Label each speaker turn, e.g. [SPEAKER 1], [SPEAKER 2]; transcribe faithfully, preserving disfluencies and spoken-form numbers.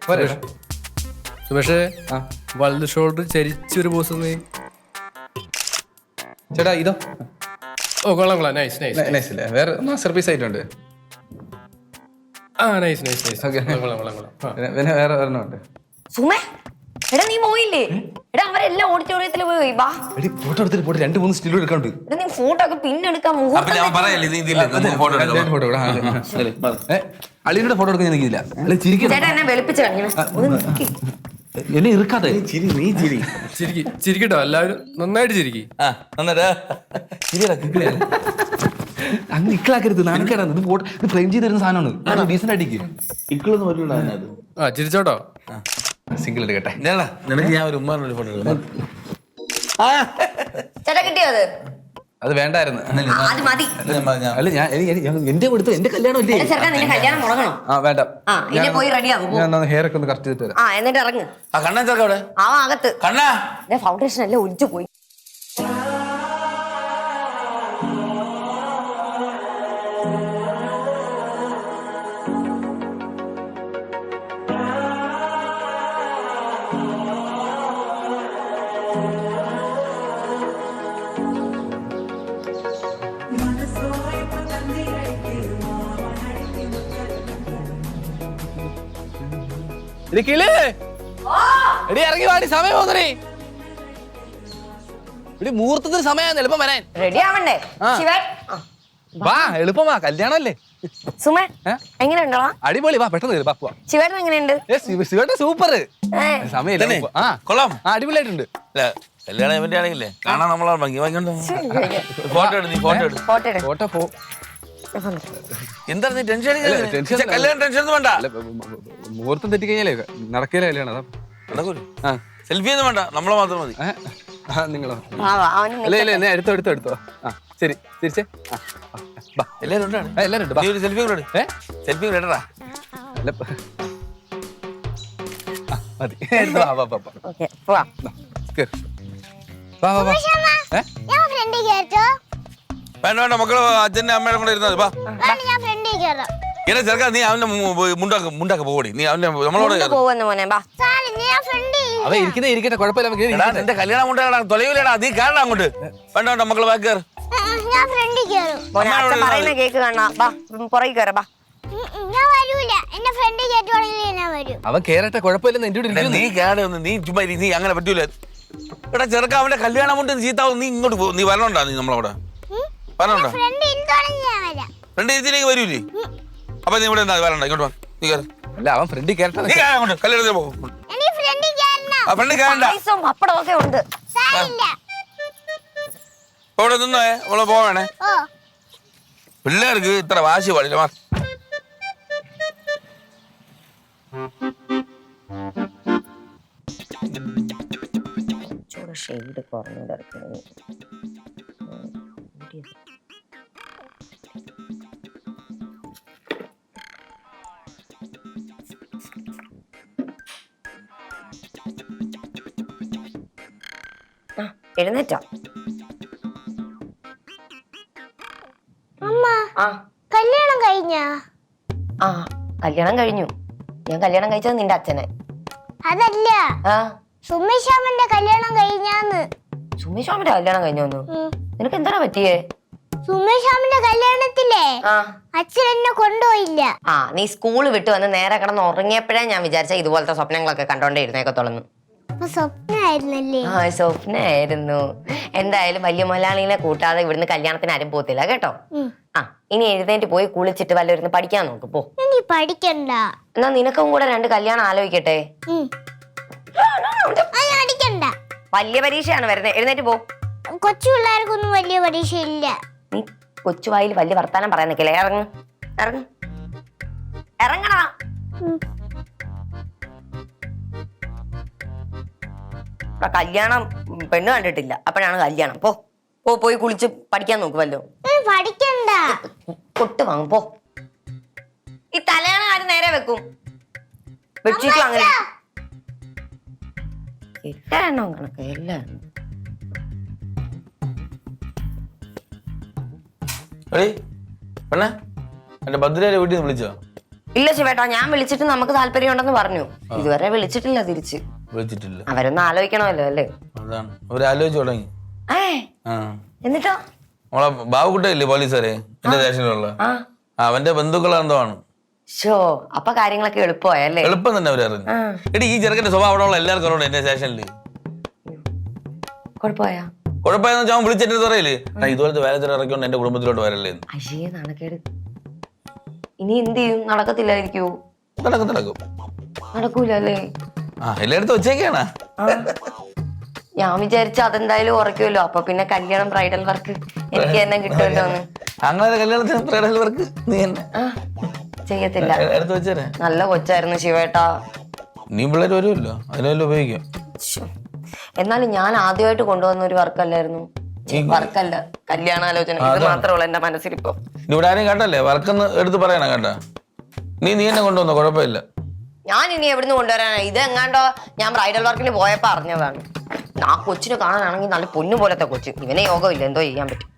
[SPEAKER 1] സുമേഷേ വലത് shoulder ചരിച്ചൊരു pose നീ
[SPEAKER 2] ചേട്ടാ ഇതോ
[SPEAKER 1] ഓ കൊള്ളാം കൊള്ളാം നൈസ് നൈസ്
[SPEAKER 2] നൈസ് അല്ലേ വേറെ മാസ്റ്റർ പീസ് ആയിട്ടുണ്ട്
[SPEAKER 1] ആ നൈസ് നൈസ് നൈസ് കൊള്ളാം കൊള്ളാം കൊള്ളാം
[SPEAKER 2] പിന്നെ വേറെ ഒരെണ്ണമുണ്ട്
[SPEAKER 3] സുമേ എടാ നീ പോയില്ലേ എടാ അവരെല്ലാം ഓഡിറ്റോറിയത്തിൽ പോയി വാ
[SPEAKER 2] എടി ഫോട്ടോ എടുത്തിട്ട് പോയിട്ട് രണ്ട് മൂന്ന് സ്റ്റിൽ എടുക്കാണ്ട്
[SPEAKER 3] എടാ നീ ഫോട്ടോ ഒക്കെ പിന്നെടുക്കാൻ
[SPEAKER 2] അളിയുടെ ഫോട്ടോ എടുക്കാൻ എനിക്കില്ല
[SPEAKER 3] ചേട്ടാ എന്നെ വെളുപ്പിച്ച് കാണിക്കണം
[SPEAKER 2] എന്നെ ഇറുക്കാതെ
[SPEAKER 1] ചിരി നീ ചിരി ചിരിക്കി ചിരിക്കട്ടോ എല്ലാവരും നന്നായിട്ട് ചിരിക്കി
[SPEAKER 2] അങ്ങ് ഇക്കളാക്കരുത് നാണക്കേടാണ് ഇത് ഫോട്ടോ ഇത് ഫ്രെയിം ചെയ്ത് തരുന്ന സാധനമാണ് ഡീസന്റ് ആയിട്ടേക്ക്
[SPEAKER 4] ഇക്കളൊന്നും പറ്റൂല
[SPEAKER 1] ആ ചിരിച്ചോട്ടോ
[SPEAKER 2] സിംഗിൾ എടുക്കട്ടെ
[SPEAKER 4] നിനക്ക് ഞാൻ ഒരു ഉമ്മാരുടെ ഫോട്ടോ എടുക്കാം
[SPEAKER 3] ചേട്ടാ കിട്ടിയോ അത്
[SPEAKER 2] അത് വേണ്ടായിരുന്നു
[SPEAKER 3] അത് മതി
[SPEAKER 2] അല്ല ഞാൻ എന്റെ കൊടുത്തു എന്റെ കല്യാണം ഇല്ലേ
[SPEAKER 3] ചെറുക്കാൻ നിന്റെ കല്യാണം മുടങ്ങണം
[SPEAKER 2] ആ വേണ്ട
[SPEAKER 3] ആ ഇനി പോയി റെഡി ആകും
[SPEAKER 2] ഞാൻ ഹെയർ ഒക്കെ ഒന്ന് കറക്റ്റ് ചെയ്തിട്ട് വരാം
[SPEAKER 3] ആ എന്നിട്ട് ഇറങ്ങ്
[SPEAKER 4] ആ കണ്ണാൻ ചെറുക്ക അവിടെ
[SPEAKER 3] ആ അകത്ത്
[SPEAKER 4] കണ്ണാ
[SPEAKER 3] ഫൗണ്ടേഷൻ എല്ലാം ഒലിച്ചു പോയി
[SPEAKER 2] എടി ഇറങ്ങി വാടി സമയം പോന്നേ എടി മുഹൂർത്തത്തിന് സമയം എളുപ്പം വരാൻ
[SPEAKER 3] റെഡി ആവണ്ടേ ശിവൻ
[SPEAKER 2] വാ എളുപ്പം വാ കല്യാണല്ലേ
[SPEAKER 3] സുമേ എങ്ങനെ ഉണ്ടോ
[SPEAKER 2] അടിപൊളി വാ പെട്ടെന്ന് വാ പോവാ
[SPEAKER 3] ശിവേട്ടൻ എങ്ങനെയുണ്ട്
[SPEAKER 2] ശിവേട്ട സൂപ്പർ സമയം
[SPEAKER 4] ആ കൊള്ളാം
[SPEAKER 2] അടിപൊളിയായിട്ടുണ്ട്
[SPEAKER 4] കല്യാണം ഇവന്റെ ആണെങ്കിലേ കാണാൻ നമ്മളെ ഭംഗി ഭംഗിയുണ്ടോ ഫോട്ടോ എടുത്ത് നീ ഫോട്ടോ എടുത്ത്
[SPEAKER 3] ഫോട്ടോ എടു.
[SPEAKER 2] ഫോട്ടോ പോ
[SPEAKER 4] എന്താണ് നീ ടെൻഷൻ കല്യാണം ടെൻഷൻ ഒന്നും വേണ്ട
[SPEAKER 2] മുഹൂർത്തം തെറ്റി കഴിഞ്ഞാലേ നടക്കില്ല കല്യാണം അതാ
[SPEAKER 4] നടക്കൂല
[SPEAKER 2] ആ
[SPEAKER 4] സെൽഫി ഒന്നും വേണ്ട നമ്മളെ മാത്രം മതി
[SPEAKER 2] നിങ്ങളോ
[SPEAKER 3] ആ, വാ, അവന്
[SPEAKER 2] അല്ല ഇല്ല എന്നാ എടുത്തോ എടുത്തോ എടുത്തോ ആ ശരി തിരിച്ചേ
[SPEAKER 4] എല്ലാരും ഉണ്ടാണ്
[SPEAKER 2] എല്ലാരും ഉണ്ട്
[SPEAKER 4] നീ ഒരു സെൽഫി കൂടെ
[SPEAKER 2] ഏ
[SPEAKER 4] സെൽഫി കൂടെ ഇടടാ
[SPEAKER 2] അല്ല ആ, മതി എടുത്തോ, വാ, വാ, വാ, വാ.
[SPEAKER 3] ഓക്കേ, പോവാം.
[SPEAKER 2] കേറ്. വാ വാ വാ ഏ
[SPEAKER 5] ഞാൻ ഫ്രണ്ടിൽ കേട്ടോ
[SPEAKER 4] വേണ്ട വേണ്ട മക്കള് അച്ഛന്റെ അമ്മയുടെ കൂടെ ഇരുന്നത് വാ
[SPEAKER 5] ഞാൻ ഫ്രണ്ടിൽ കയറാം
[SPEAKER 4] ഇങ്ങനെ ചെറുക്കാ നീ അവന്റെ മുണ്ടാക്ക് മുണ്ടാക്ക് പോടി നീ അവന്റെ നമ്മളോട്
[SPEAKER 3] കൊണ്ട് പോവെന്ന് മോനെ ബാ
[SPEAKER 5] സാറി ഞാൻ ഫ്രണ്ടിൽ
[SPEAKER 2] അവ ഇരിക്കുന്നേ ഇരിക്കട്ടെ കുഴപ്പമില്ല നമുക്ക്
[SPEAKER 4] എടാ നിന്റെ കല്യാണം കൊണ്ടാടാ തൊലവില്ലടാ നീ കയറടാ അങ്ങോട്ട് വേണ്ട വേണ്ട മക്കള് ബാക്കി കയറ്
[SPEAKER 5] ഞാൻ ഫ്രണ്ടിൽ കയറും
[SPEAKER 3] മോനെ അച്ഛൻ പറയുന്ന കേക്ക് കാണാ ബാ പുറകെ കയറാ ബാ
[SPEAKER 5] ഉം, ഉം, ഞാൻ വരൂല എന്നെ ഫ്രണ്ടിൽ കയറ്റുവാണെങ്കിൽ ഞാൻ വരും
[SPEAKER 2] അവൻ കേറട്ടെ കുഴപ്പമില്ലെന്ന് എന്റെ കൂടെ
[SPEAKER 4] എടാ, നീ കേടെ ഒന്ന് നീ ചുമ്മാ ഇരി, നീ അങ്ങനെ പറ്റൂല എടാ ചെറുക്ക അവന്റെ കല്യാണം കൊണ്ട് ചീത്താവും നീ ഇങ്ങോട്ട് പോ നീ വരണോണ്ടാ നീ നമ്മളവിടെ വരണോണ്ടാ
[SPEAKER 5] ഫ്രണ്ടിൽ ഇരുത്തോണെങ്കിൽ ഞാൻ വരാം
[SPEAKER 4] രണ്ട് രീതിയിലേക്ക് വരൂലേ അപ്പൊ നീ ഇവിടെ എന്താ വരണ്ട ഇങ്ങോട്ട് വാ നീ കയറി
[SPEAKER 2] അല്ല അവൻ ഫ്രണ്ടിൽ കേറട്ടെ
[SPEAKER 4] നീ കയറി അങ്ങോട്ട് കല്യാണത്തിന് പോകും
[SPEAKER 5] എനിക്ക് ഫ്രണ്ടിൽ കയറണം
[SPEAKER 4] ആ ഫ്രണ്ട് കയറണ്ട
[SPEAKER 3] പായസവും പപ്പടവും ഒക്കെ ഉണ്ട്
[SPEAKER 5] സാരില്ല
[SPEAKER 4] ഇപ്പൊ ഇവിടെ നിന്നേ നമ്മള് പോവേണേ
[SPEAKER 5] ഓ
[SPEAKER 4] പിള്ളേർക്ക് ഇത്ര വാശി പാടില്ല മാ
[SPEAKER 3] ഷെയ്ഡ് കുറഞ്ഞു എഴുന്നേറ്റോ
[SPEAKER 5] അമ്മ
[SPEAKER 3] ആ
[SPEAKER 5] കല്യാണം കഴിഞ്ഞാ
[SPEAKER 3] ആ കല്യാണം കഴിഞ്ഞു ഞാൻ കല്യാണം കഴിച്ചത് നിന്റെ അച്ഛനെ
[SPEAKER 5] അതല്ല
[SPEAKER 3] ആ
[SPEAKER 5] സുമേഷാമന്റെ കല്യാണം കഴിഞ്ഞാന്ന്
[SPEAKER 3] സുമേഷാമിന്റെ കല്യാണം കഴിഞ്ഞോന്നു
[SPEAKER 5] ഉം.
[SPEAKER 3] നിനക്ക് എന്താണ് പറ്റിയേ
[SPEAKER 5] സുമേഷാമന്റെ കല്യാണത്തിലേ
[SPEAKER 3] ആ
[SPEAKER 5] അച്ഛൻ എന്നെ കൊണ്ടുപോയില്ല
[SPEAKER 3] ആ നീ സ്കൂൾ വിട്ട് വന്ന് നേരെ കിടന്ന് ഉറങ്ങിയപ്പോഴേ ഞാൻ വിചാരിച്ച ഇതുപോലത്തെ സ്വപ്നങ്ങളൊക്കെ കണ്ടോണ്ടേ ഇരുന്നേക്കത്തോളന്ന്
[SPEAKER 5] അപ്പൊ സ്വപ്നായിരുന്നല്ലേ
[SPEAKER 3] ആ സ്വപ്നായിരുന്നു എന്തായാലും വലിയ മലയാളിനെ കൂട്ടാതെ ഇവിടുന്ന് കല്യാണത്തിന് ആരും പോത്തില്ല കേട്ടോ
[SPEAKER 5] ഉം.
[SPEAKER 3] ആ ഇനി എഴുന്നേറ്റ് പോയി കുളിച്ചിട്ട് വല്ലവരുന്ന് പഠിക്കാൻ നോക്ക് പോ
[SPEAKER 5] ഇനി പഠിക്കണ്ട
[SPEAKER 3] എന്നാ നിനക്കും കൂടെ രണ്ട് കല്യാണം ആലോചിക്കട്ടെ
[SPEAKER 5] ഉം. അത് പഠിക്കണ്ട
[SPEAKER 3] വലിയ പരീക്ഷയാണ് വരുന്നത് എഴുന്നേറ്റ് പോ
[SPEAKER 5] കൊച്ചു പിള്ളേർക്കൊന്നും വലിയ പരീക്ഷയില്ല
[SPEAKER 3] നീ കൊച്ചുവായിൽ വലിയ വർത്താനം പറയാൻ നിൽക്കില്ലേ ഇറങ്ങ് ഇറങ്ങ് ഇറങ്ങണ
[SPEAKER 5] ഉം.
[SPEAKER 3] കല്യാണം ഉം, പെണ്ണ് കണ്ടിട്ടില്ല അപ്പോഴാണ് കല്യാണം പോ പോ പോയി കുളിച്ച് പഠിക്കാൻ നോക്കുമല്ലോ
[SPEAKER 5] ഉം, പഠിക്കണ്ട
[SPEAKER 3] കൊട്ട് വാങ്ങും പോ ഈ തലയാണ് ആരും നേരെ വെക്കും ബെഡ്ഷീറ്റും അങ്ങനെ എട്ടാണോ കണക്ക് എല്ലാം
[SPEAKER 4] എടീ പെണ്ണേ എന്റെ ഭദ്രയുടെ വീട്ടിൽ നിന്ന് വിളിച്ചോ
[SPEAKER 3] ഇല്ല ശിവേട്ടാ, ഞാൻ വിളിച്ചിട്ട് നമുക്ക് താല്പര്യം ഉണ്ടെന്ന് പറഞ്ഞു. ഇതുവരെ വിളിച്ചിട്ടില്ല തിരിച്ച്.
[SPEAKER 4] വിളിച്ചിട്ടില്ല.
[SPEAKER 3] അവരൊന്ന് ആലോചിക്കണമല്ലോ അല്ലേ?
[SPEAKER 4] അതാണ് അവര് ആലോചിച്ചു തുടങ്ങി.
[SPEAKER 3] ഏ എന്നിട്ടോ?
[SPEAKER 4] നമ്മളെ ബാബുക്കുട്ടയില്ലേ പോലീസുകാരെ എന്റെ സ്റ്റേഷനിലുള്ള, അവന്റെ ബന്ധുക്കളെന്തോ ആണ്.
[SPEAKER 3] ഷോ അപ്പൊ കാര്യങ്ങളൊക്കെ എളുപ്പമായല്ലേ?
[SPEAKER 4] എളുപ്പം തന്നെ അവരറിഞ്ഞു. എടി ഈ ചെറുക്കന്റെ സ്വഭാവം അവിടെ ഉള്ള എല്ലാവർക്കും അറിയണം എന്റെ സ്റ്റേഷനിൽ.
[SPEAKER 3] കുഴപ്പമായാ?
[SPEAKER 4] കുഴപ്പമെന്ന് വെച്ചാൽ അവൻ വിളിച്ചിട്ട് പറയില്ലേ ഇതുപോലത്തെ വേലത്തിൽ ഇറക്കിയോണ്ട് എന്റെ കുടുംബത്തിലോട്ട് വരല്ലേ.
[SPEAKER 3] അയ്യേ നാണക്കേട്. ഇനി എന്ത് ചെയ്യും? നടക്കത്തില്ലായിരിക്കൂ?
[SPEAKER 4] നടക്കും നടക്കും.
[SPEAKER 3] നടക്കൂല അല്ലേ?
[SPEAKER 4] ആ എല്ലായിടത്തും വെച്ചേക്കാണ്.
[SPEAKER 3] ഞാൻ വിചാരിച്ച അതെന്തായാലും ഉറക്കുമല്ലോ, അപ്പൊ പിന്നെ കല്യാണം ബ്രൈഡൽ വർക്ക് എനിക്ക് തന്നെ കിട്ടുമല്ലോ എന്ന്.
[SPEAKER 4] അങ്ങനെ കല്യാണത്തിന് ബ്രൈഡൽ വർക്ക് നീ തന്നെ
[SPEAKER 3] ചെയ്യത്തില്ല.
[SPEAKER 4] എടുത്ത് വെച്ചേരെ.
[SPEAKER 3] നല്ല കൊച്ചായിരുന്നു ശിവേട്ടാ.
[SPEAKER 4] നീ പിള്ളേർ വരുമല്ലോ, അതിനെല്ലാം ഉപയോഗിക്കാം.
[SPEAKER 3] എന്നാലും ഞാൻ ആദ്യമായിട്ട് കൊണ്ടുവന്ന ഒരു വർക്കല്ലായിരുന്നു. വർക്കല്ല, കല്യാണാലോചന. ഇത് മാത്രമേ ഉള്ളൂ എന്റെ മനസ്സിലിപ്പോ.
[SPEAKER 4] ഇവിടെ ആരെയും കേട്ടല്ലേ വർക്കെന്ന് എടുത്ത് പറയണം കേട്ടാ. നീ നീ എന്നെ കൊണ്ടുവന്നോ, കുഴപ്പമില്ല.
[SPEAKER 3] ഞാൻ ഇനി എവിടുന്ന് കൊണ്ടുവരാനാ? ഇത് എങ്ങാണ്ടോ ഞാൻ ബ്രൈഡൽ വർക്കിന് പോയപ്പോ അറിഞ്ഞതാണ്. ആ കൊച്ചിനെ കാണാനാണെങ്കിൽ നല്ല പൊന്നു പോലത്തെ കൊച്ച്. ഇവനെ യോഗമില്ല, എന്തോ ചെയ്യാൻ പറ്റും.